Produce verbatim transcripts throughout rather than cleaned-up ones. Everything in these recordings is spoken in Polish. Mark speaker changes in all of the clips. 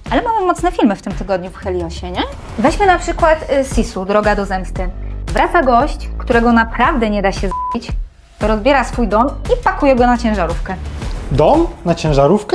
Speaker 1: Ale mamy mocne filmy w tym tygodniu w Heliosie, nie? Weźmy na przykład y, Sisu, Droga do zemsty. Wraca gość, którego naprawdę nie da się z***ić, rozbiera swój dom i pakuje go na ciężarówkę.
Speaker 2: Dom? Na ciężarówkę?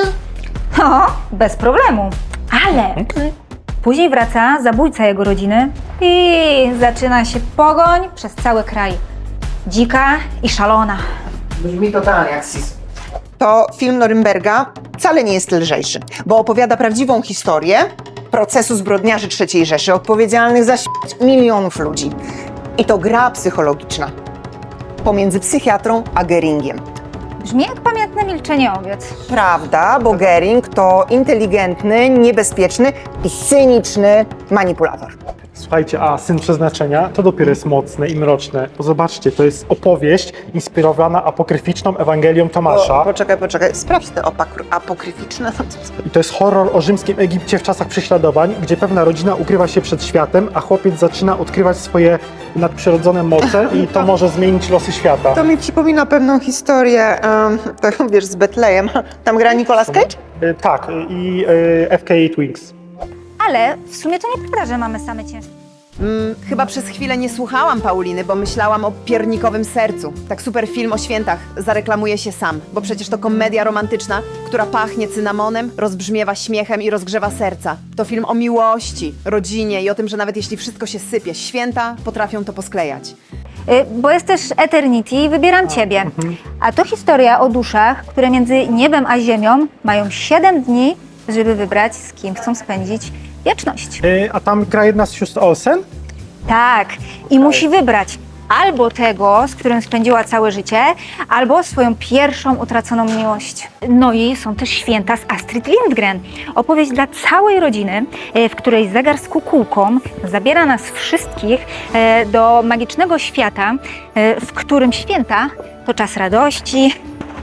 Speaker 1: No, bez problemu. Ale później wraca zabójca jego rodziny i zaczyna się pogoń przez cały kraj. Dzika i szalona.
Speaker 3: Brzmi totalnie jak Sis. To film Norymberga wcale nie jest lżejszy, bo opowiada prawdziwą historię procesu zbrodniarzy trzeciej Rzeszy, odpowiedzialnych za śmierć milionów ludzi. I to gra psychologiczna pomiędzy psychiatrą a Geringiem.
Speaker 1: Brzmi jak pamiętne milczenie owiec.
Speaker 3: Prawda, bo Gering to inteligentny, niebezpieczny i cyniczny manipulator.
Speaker 2: Słuchajcie, a Syn Przeznaczenia to dopiero jest mocne i mroczne. Bo zobaczcie, to jest opowieść inspirowana apokryficzną Ewangelią Tomasza.
Speaker 3: O, poczekaj, poczekaj, sprawdź te opakr- apokryficzne.
Speaker 2: I to jest horror o rzymskim Egipcie w czasach prześladowań, gdzie pewna rodzina ukrywa się przed światem, a chłopiec zaczyna odkrywać swoje nadprzyrodzone moce i to może zmienić losy świata.
Speaker 3: To mi przypomina pewną historię, um, to wiesz, z Betlejem. Tam gra Nicolas Cage?
Speaker 2: Y, tak, y, i y, F K Twinks.
Speaker 1: Ale w sumie to nieprawda, że mamy same ciężkie.
Speaker 4: Mm, chyba przez chwilę nie słuchałam Pauliny, bo myślałam o Piernikowym sercu. Tak super film o świętach zareklamuje się sam, bo przecież to komedia romantyczna, która pachnie cynamonem, rozbrzmiewa śmiechem i rozgrzewa serca. To film o miłości, rodzinie i o tym, że nawet jeśli wszystko się sypie, święta potrafią to posklejać.
Speaker 1: Y, bo jest też Eternity i wybieram Ciebie. A to historia o duszach, które między niebem a ziemią mają siedem dni, żeby wybrać, z kim chcą spędzić wieczność.
Speaker 2: Y, a tam gra jedna z sióstr Olsen?
Speaker 1: Tak, i musi wybrać albo tego, z którym spędziła całe życie, albo swoją pierwszą utraconą miłość. No i są też święta z Astrid Lindgren. Opowieść dla całej rodziny, e, w której zegar z kukułką zabiera nas wszystkich e, do magicznego świata, e, w którym święta to czas radości,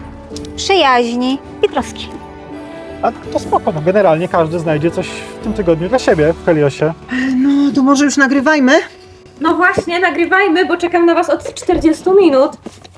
Speaker 1: przyjaźni i troski.
Speaker 2: A to spoko, no generalnie każdy znajdzie coś w tym tygodniu dla siebie w Heliosie.
Speaker 3: No, to może już nagrywajmy?
Speaker 5: No właśnie, nagrywajmy, bo czekam na was od czterdziestu minut.